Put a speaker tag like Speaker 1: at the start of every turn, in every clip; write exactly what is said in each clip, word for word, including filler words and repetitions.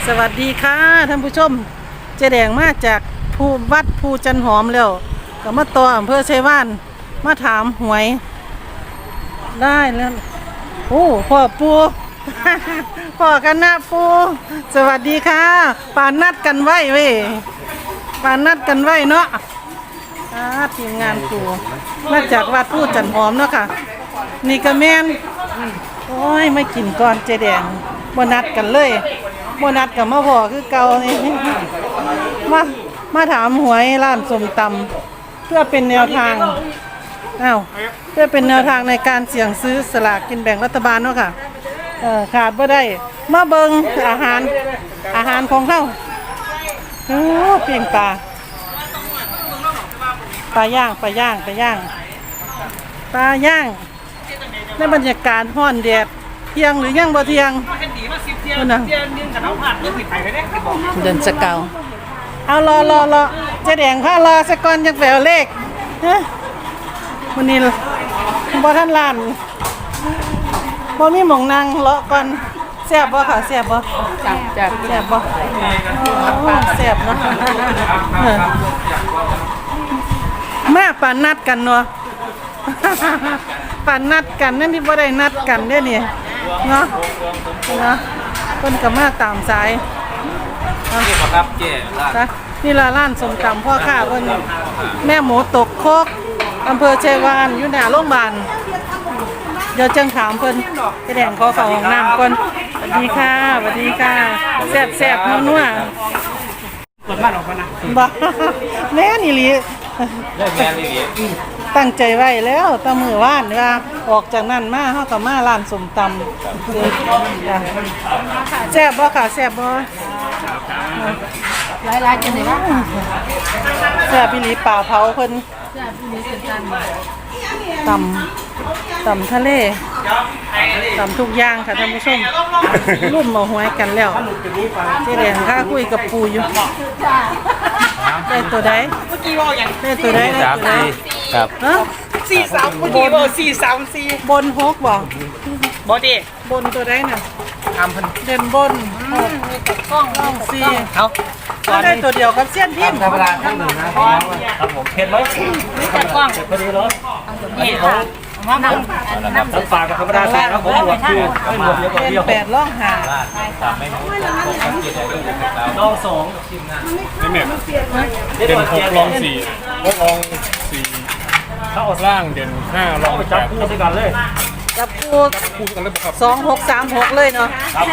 Speaker 1: สวัสดีค่ะท่านผู้ชมเจแดงมาจากภูวัดภูจันหอมแล้วก็มาต่ออำเภอชัยวานมาถามหวยได้แล้วโอ้พ่อปู พ่อกันนะปูสวัสดีค่ะปานนัดกันไว้เว้ยปานนัดกันไว้เนาะทีมงานปูมาจากวัดภูจันหอมเนาะค่ะนี่ก็แม่นโอ้ยไม่กินก่อนเจแดงบ่นัดกันเลยบ่นัดกับมาพ่อคือเก่านี่มามาถามหวยร้านส้มตำเพื่อเป็นแนวทางอ้าวเพื่อเป็นแนวทางในการเสี่ยงซื้อสลากกินแบ่งรัฐบาลเนาะค่ะเออขาดบ่ได้มาเบิ่งอาหารอาหารของเฮาโอ้ปิ้งปลาปลาย่างปลาย่างปลาย่างปลาย่างในบรรยากาศร้อนแดดเที่ยงหรือยังบ่เที่ยงนู่นน่ะเดินสเกาเอารอรอรอเจ๊แดงพารอสักก่อนจังแปลเลขฮะมื้อนี้บ่ทันล้านบ่มีหม่องนั่งเลาะก่อนแซ่บบ่ค่ะแซ่บบ่จับจับแซ่บบ่โอ้แซ่บเนาะมาปานนัดกันเนาะปานนัดกันนั่นที่บ่ได้นัดกันเด้นี่เนาะเนาะเพิ่นก็มาตามสายนี่ครับเจ๊ร้านนี่ละร้านส้มตำพ่อค้าเพิ่นแม่หมูตกโคกอำเภอชัยวานอยู่หน้าโรงพยาบาลเดี๋ยวจังถามเพิ่นไปแดงขอเข้าห้องน้ำก่อนสวัสดีค่ะสวัสดีค่ะแซ่บๆนัวๆเปิดบ้านออกมานะบ่แม่นี่ลิเลิกแม่นี่ลิตั้งใจไว้แล้วตะมือว่านว่าออกจากนั้นมาเฮาก็มาร้านส้มตำแซ่บบ่ค่ะแซ่บบ่หลายๆจังได๋ล่ะแซ่บอีหลีป่าเผาเพิ่นแซ่บอีหลีคือกันตำตำทะเลตำทุกอย่างค่ะท่านผู้ชมรุ่มมาหวยกันแล้วเจ๊แดงค่ะคุยกับปู่อยู่ได้ตัวใดเมื่อกี้ว่าอย่างได้ตัวใดได้ตัวใด
Speaker 2: ครับ
Speaker 1: ฮะ
Speaker 3: สี่สามเมื่อกี้ว่าสี่สามสี่
Speaker 1: บนหกบ่
Speaker 3: บอดี้
Speaker 1: บนตัวใดน่ะ
Speaker 3: ทำพัน
Speaker 1: เด่นบนหกกล้องกล้องสี่
Speaker 3: เอา
Speaker 1: ได้ตัวเดียวกับเสี้ยนพิมพ์
Speaker 2: ธรรมดาข้างหนึ่งนะครับผมเห็นไหม
Speaker 3: นี่จัดกล้อง
Speaker 2: พอดีเลย
Speaker 3: นี่ค่ะน้ำน้ำน้ำ
Speaker 2: น้ำปลากับธรรมดาใส่แล้วผมบวกคือไม่บวกเยอะกว่าเดียว
Speaker 1: แปดล่องหา
Speaker 2: ลองสอง
Speaker 4: นี่แม่เด่นหกลองสี่หกลองสี่ถ้าออกล่างเด่นห้าลองแปด
Speaker 2: จับคู่ด้วยกันเลย
Speaker 1: จับคู่
Speaker 4: คู่กันเลยครับ
Speaker 1: สองหกสามหกเลยเนาะ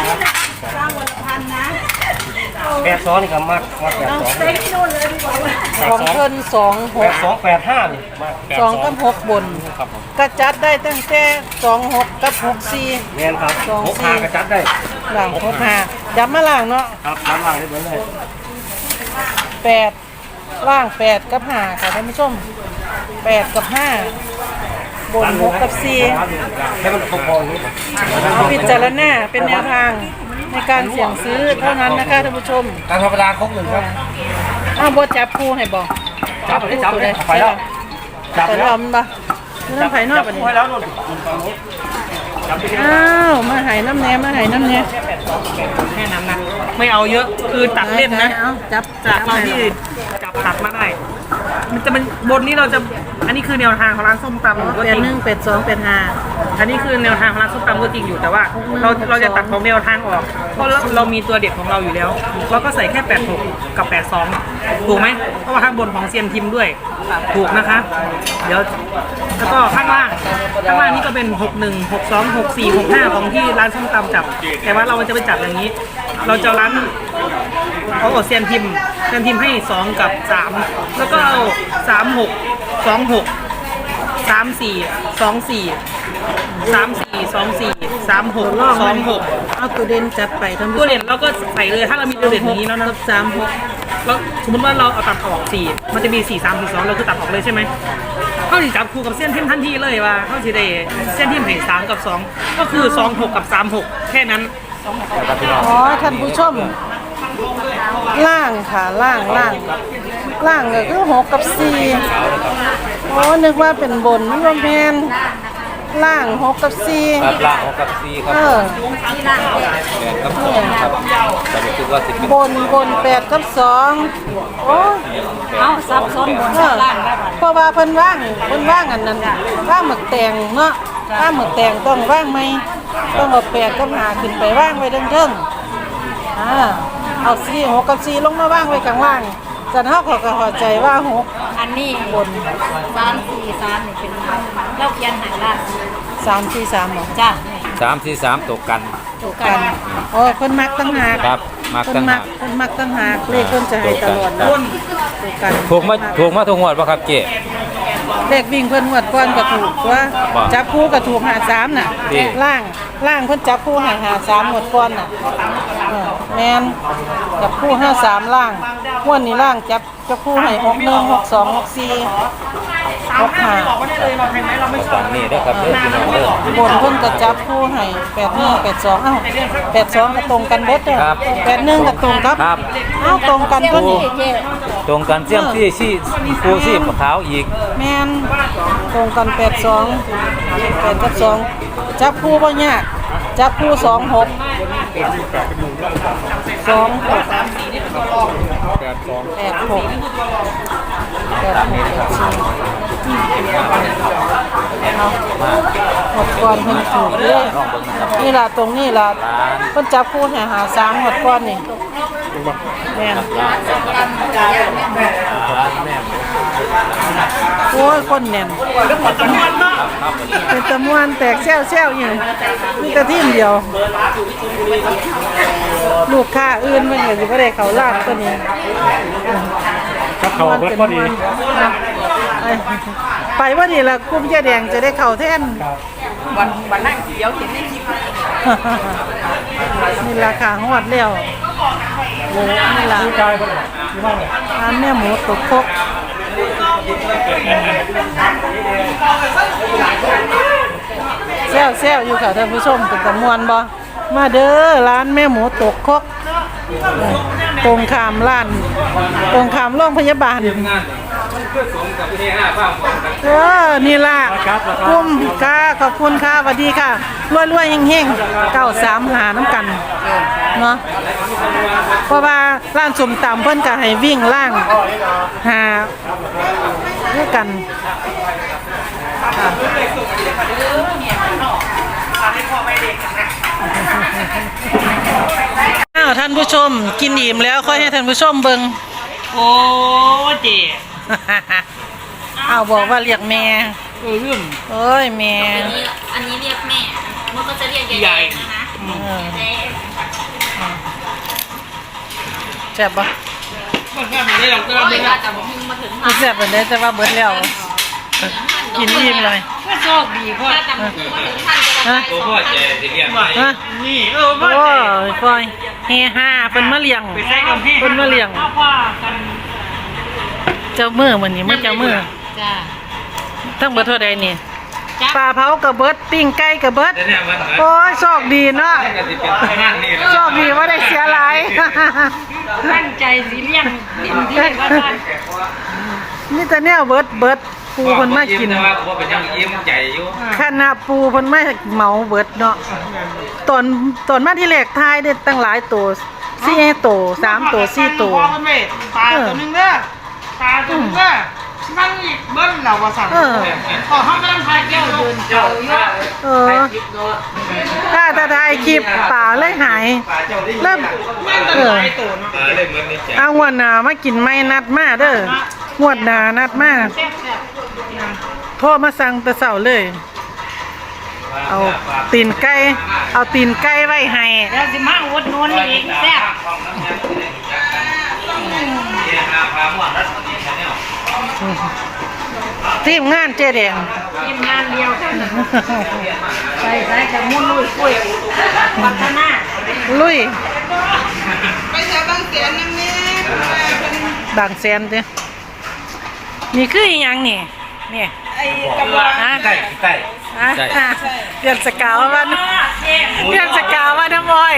Speaker 2: แปดสองนี่ก็มากมากแปดสอง
Speaker 1: ของเพิ่นสองห
Speaker 2: แป
Speaker 1: ก
Speaker 2: ดสองแปดห้านี่มาก
Speaker 1: สองกับหกบนกระจัดได้ตั้งแต่สองหกกับหกสี่
Speaker 2: เงี้ยครับหกห้ากระจัดได้
Speaker 1: หลังหกห้าย้ำมาหลังเนาะ
Speaker 2: ครับน้ำล่างได้เหมือนเลย
Speaker 1: แปดล่างแปดกับห้าค่ะท่านผู้ชมแปดกับห้าบนหกกับสี่
Speaker 2: ให้มันพอๆนี้
Speaker 1: เอาพิจารณาเป็นแนวทางในการเสี่ยงซื้อเท่านั้นนะคะท่านผู้ชม
Speaker 2: การธรรมดาครบหนึ่งครับ
Speaker 1: อ้าวบดจับคู่ให้บอก
Speaker 2: จับไปจับไปไปแล้ว
Speaker 1: จับแล้วมันบ่น้ำไผ่นอกไป
Speaker 2: แล้วนู่น
Speaker 1: อ้าวมาไห่น้ำแหนมมาไห่น้ำแหนม
Speaker 3: แค่นั้นนะไม่เอาเยอะคือตัดเล่นนะ
Speaker 1: จับ
Speaker 3: จากเราที่จับตัดมาได้มันจะเป็นบนนี้เราจะอันนี้คือแนวทางของร้านส้มตำ
Speaker 1: เป็ดหนึ่งเป็ดสองเป็ดห้า
Speaker 3: อันนี้คือแนวทางของร้านส้มตำก็จริงอยู่แต่ว่าเราเราจะตัดของแนวทางออกเพราะเรามีตัวเด็ดของเราอยู่แล้วเราก็ใส่แค่แปดหกกับแปดสองถูกไหมเพราะว่าข้างบนของเซียนทิมด้วยถูกนะคะเดี๋ยวแล้วก็ข้างล่างข้างล่างนี่ก็เป็นหกหนึ่งหกสองหกสี่หกห้าของที่ร้านส้มตำจับแต่ว่าเราจะไปจับอย่างนี้เราจะร้านเขาเอาเซียนทิมเซียนทิมให้สองกับสามแล้วก็เอาสามหกสองหกสามสี่สองสี่สามสี่สองสี่สามหกสองหก
Speaker 1: เอาตัวเด่นจัดไปทั้ง
Speaker 3: ตัวเด่นเราก็ใส่เลยถ้าเรามีตัวเด่นอย่างนี้แล้วนะ
Speaker 1: สามหก
Speaker 3: แล้วสมมติว่าเราเอาตัดออกสี่มันจะมีสี่สามสี่สองเราคือตัดออกเลยใช่ไหมเขาสิจับคู่กับเส้นทิมทันทีเลยว่าเขาสิได้เส้นทิมให้สามกับสองก็คือสองหกกับสามหกแค่นั้น
Speaker 1: อ๋อท่านผู้ชมล่างค่ะล่างล่างล่างก็คือหกกับสี่อ๋อนึกว่าเป็นบนนี่ว่าแมนล่างหกกับสี่
Speaker 2: ครับล่างหกกับสี่ครับ
Speaker 1: เออ
Speaker 2: แปดกับสองครับ
Speaker 5: แต่รู้สึกว่าสิเป็น
Speaker 1: บนบนแปดกับสองโอ้ย
Speaker 6: เอาซับซ้อนบน
Speaker 1: เออ
Speaker 6: ล่างได้บัด
Speaker 1: เพราะว่าเพิ่นว่างเพิ่นว่างอันนั้นว่างหมึกแตงเนาะว่างหมึกแตงต้องว่างไหมต้องเอาแปดกับหาขึ้นไปว่างไว้เทิงๆอ่าเอาสี่หกกับสี่ลงมาว่างไว้ข้างล่างจันเฮาก็ก็เข้าใจว่าหก
Speaker 6: อันนี้
Speaker 1: บน
Speaker 6: สามสี่สามนี่เป็นเราเขียนใหายล่าง
Speaker 1: สามสี่สามบ่
Speaker 6: จ้า
Speaker 5: สามสี่สามตกกัน
Speaker 6: ถูกกั
Speaker 1: กัน นโอ้เพิ่นมักตั้งหาก
Speaker 5: ครับมัก
Speaker 1: เพิ่
Speaker 5: ตั้
Speaker 1: น
Speaker 5: ง
Speaker 1: มั
Speaker 5: หาก ก
Speaker 1: เพิ่นมักตั้งหากเลขเพิ่นจะให้ตลอด
Speaker 5: ครับ
Speaker 1: ถูกกัน
Speaker 5: ถูกมาถูกมาทุกงวดป่ะครับเจ๊
Speaker 1: เลขวิ่งเพิ่นงวดก่อนก็ถูกว่า
Speaker 5: บ่
Speaker 1: จับคู่ก็ถูกหาสามน่ะ
Speaker 5: นี่
Speaker 1: ล่างล่างเพิ่นจับคู่หาหาสามงวดก่อนน่ะเออแม่นจับคู่ห้าสามล่างงวดนี้ล่างจับจับคู่ให้หกหนึ่งหกสองหกสี่หกห้า
Speaker 3: บอกว่าได้เลยเราใครไหมเราไม่ชอ
Speaker 5: ฝั่
Speaker 3: บ
Speaker 5: งนี้เด้อครับเด้อพี่น้องเด้อบ
Speaker 1: นเพิ่นก็จับคู่ให้แปดหนึ่งแปดสองเอ้าแปดสองก็ตรงกันเบิดเด้อแปดหนึ่งก็ตรงครับ
Speaker 5: ครับ
Speaker 1: เอ้าตรงกันตัวนี้
Speaker 6: เจ๊
Speaker 5: ตรงกันเสี่ยมที่ชี่ครูชี่ขาวอีก
Speaker 1: แม่นตรงกันแปดสองแปดกับสองจับคู่บ่ยากจับคู่สองหกสองหก
Speaker 4: แปดสอง
Speaker 1: แปดหกแปดหกแปดสี่เอาหมดก่อนเพิ่นถูกเลยนี่ล่ะตรงนี้ล่ะเพิ่นจับคู่ให้หาสามหมดก่อนนี่แม่นโอ้ยคนแน่นเป็นตะมวนแตกแซวๆอยู่มีแต่ทีมเดียว ลูกค้าอื่นมันก็สิบ่ได้เข้าร้านตัวนี้
Speaker 4: ถ้าเขาเบิดพอดี
Speaker 1: ไปว่านี่ละกลุ่มเจ๊แดงจะได้เข้าแทน
Speaker 6: วันวันนั่งเดี๋ยวเห็นในคลิป
Speaker 1: นี่ราคาฮอดแล้วโหนี่ล่ะ
Speaker 4: กายบ่ได้ที่ว่าเลย
Speaker 1: ร้านแม่หมูตกครกแซวแซวอยู่ค่ะท่านผู้ชมเป็นตะมวนบ่มาเด้อร้านแม่หมูตกครกตรงข้ามร้านตรงข้ามโรงพยาบาล เออ นี่ล่ะคุ้มค่ะขอบคุณค่ะสวัสดีค่ะ รวยๆเฮงๆเก้าสามหาน้ำกัน เนาะ เพราะว่าร้านสมตำเพิ่นก็ให้วิ่งล่าง หาด้วยกันค่ะอ้าวท่านผู้ชมกินอิ่มแล้วค่อยให้ท่านผู้ชมเบิ่ง
Speaker 3: โอ้เจ๊
Speaker 1: อ้าวบอกว่าเรียกแม่
Speaker 3: เออเรื่อง
Speaker 1: เอ้ยแม่
Speaker 6: อันนี้อันนี้เรียกแม่มันก็จะเรียก
Speaker 3: ใหญ่
Speaker 6: ยายๆนะคะ
Speaker 1: เออ
Speaker 6: เจ๊
Speaker 1: แซ่บปะ
Speaker 3: มันก็ไม่ได้หรอกก็
Speaker 6: โอ้
Speaker 3: ไม่
Speaker 6: ย
Speaker 3: ได้
Speaker 6: ว่าแต่ผมมาถึง
Speaker 1: ไม่แซ่บเป็นได้แต่ว่าเบิดแล้ว กินอิ่มเลย
Speaker 3: ก็โชคดีพ่อ
Speaker 6: ว่าแต่ผมมาถึงท่านจะ
Speaker 1: ฮะ
Speaker 5: ตัวพ่อเจ๊ที่เรียก
Speaker 1: ฮะ
Speaker 3: นี่เออพ่อ
Speaker 1: โอ้
Speaker 3: เจ๊
Speaker 1: ยฟอยเฮฮาเพิ่นมาเลี้ยง
Speaker 3: ไปใช้กับพี่
Speaker 1: เพิ่นมาเลี้ยง
Speaker 3: พ่อพ่อกัน
Speaker 1: เจ้ามือมื้อนี้มันเจ้ามือ
Speaker 6: จ้า
Speaker 1: ทั้งเบิดเท่าใดนี่
Speaker 6: จ้า
Speaker 1: ปลาเผากับเบิดปิ้งไก่กับเบิด
Speaker 5: เนี่ยมัน
Speaker 1: โอ้ยโชคดีเนาะ
Speaker 5: ก็สิเป็นงานนี่
Speaker 1: โชคดีว่าได้เสียหลาย
Speaker 6: ตั้งใจสีเลี่ยงเต็มที่ว่าท่าน
Speaker 1: นี่แต่แนวเบิดเบิดปูเพิ่นมากิน
Speaker 5: แต่ว่าบ่เป็นยังยิ้มใจอยู่
Speaker 1: คณะปูเพิ่นมาเหมาเบิดเนาะตอนตอนมาที่แรกทายได้ตั้งหลายตัวสี่ตัวสามตัวสี่ตัว
Speaker 3: พ่อมันไม่ปลาตัวนึงเด้อปลาตัวนึงเด้อนั่งอีกเบิ้ลเราว่าสั่ง
Speaker 1: เออ
Speaker 3: ขอห้องกำลังทายแก้วเดินเจ้าเยอะ
Speaker 1: เออถ้าถ้าถ่ายคลิปป่าเลยหายเริ่ม
Speaker 3: แม่งตั้งหลายตัวเนาะ
Speaker 5: เลยเหมือนนี่
Speaker 1: เอางวดหน้ามากินไม่นัดมาเด้องวดหน้านัดมา
Speaker 3: แซ่บแซ่บ
Speaker 1: โทรมาสั่งแต่เช้าเลย เอาตีนไก่เอาตีนไก่ไว้ให้
Speaker 6: แล้วสิมาอุดหนุนอีกแซ่บ
Speaker 1: ทีมงานเจ๊แดง
Speaker 6: ทีมงานเดียวกันใส่ใส่กับมุ่นลุยคุยพัฒนา
Speaker 1: ลุย
Speaker 3: ไปแถวบางเสียนนั่นนี่
Speaker 1: บางแสนเด้อนี่คืออีหยังนี่นี่
Speaker 3: ไอ้กำลัง
Speaker 1: ฮะ
Speaker 5: ใกล้ใกล้
Speaker 1: ฮะเดือนสกาววันเดือนสกาวว่าน้ำอ้อย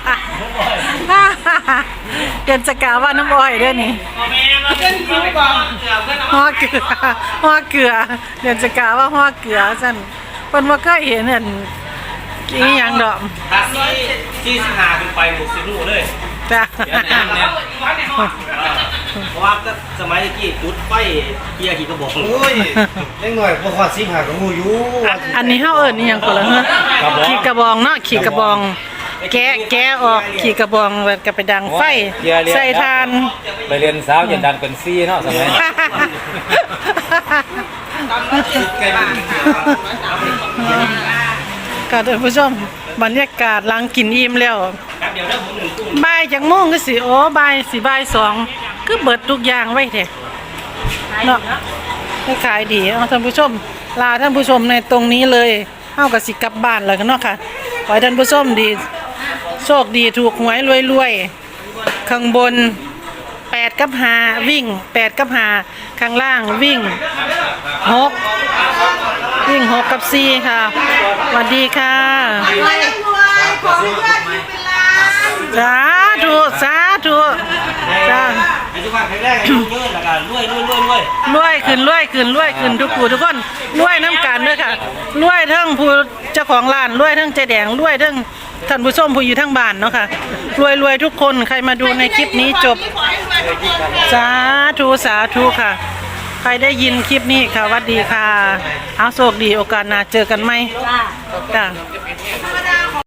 Speaker 1: เดือนสกาวว่าน้ำอ้อยเด้อนี่
Speaker 3: แม่มาเล่นคิวก่อน
Speaker 1: ห่อเกลือห่อเกลือเดือนสกาวว่าห่อเกลือสั่นเพิ่นบ่เคยเห็นอันอีหยังดอก
Speaker 5: ถ้าที่ที่สิงหาขึ้นไปหมดสิรู้เลย
Speaker 1: จ้ะ
Speaker 2: เพราะว่าสมัยกี้จุดไฟเกียร์ขี่กระบอกโอ้ยเล็กหน่อยพวกขอดซิงหากับงูอยู่
Speaker 1: อันนี้เฮาเอิ้นอีหยังก็ล่ะฮะขี่กระบองเนาะขี่กระบอง แกะแกะออกขี่กระบองแล้วก็ไปดังไฟใส่ทาน
Speaker 5: ไปเรียนสาวยันดันเป็นซี่เนาะสมัย
Speaker 1: ก็ท่านผู้ชมบรรยากาศหลังกินอิ่มแล้วบ่ายจังโมงก็สิโอ้บ่ายสิบ่ายสองคือเบิดทุกอย่างไว้แท้เนาะให้ขายดีเอาท่านผู้ชมลาท่านผู้ชมในตรงนี้เลยเฮาก็สิกลับบ้านแล้วกันเนาะค่ะขอให้ท่านผู้ชมดีโชคดีถูกหวยรวยๆข้างบนแปดกับห้าวิ่งแปดกับห้าข้างล่างวิ่งหกวิ่งหกกับสี่ค่ะสวัสดีค่ะสาธุสาธุจ้า
Speaker 2: ไอ้ทุกคนแข็งแรงอายุเยอะแล้วก็รวยรวยรวยรวย
Speaker 1: รวยขึ้นรวยขึ้นรวยขึ้นทุกผู้ทุกคนรวยน้ำกันเด้อค่ะรวยทั้งผู้เจ้าของร้านรวยทั้งเจ๊แดงรวยทั้งท่านผู้ชมผู้อยู่ทั้งบ้านเนาะค่ะรวยรวยทุกคนใครมาดูในคลิปนี้จบสาธุสาธุค่ะ ใครได้ยินคลิปนี้ค่ะสวัสดีค่ะเอาโชคดีโอกาสหน้าเจอกันไหมจ้า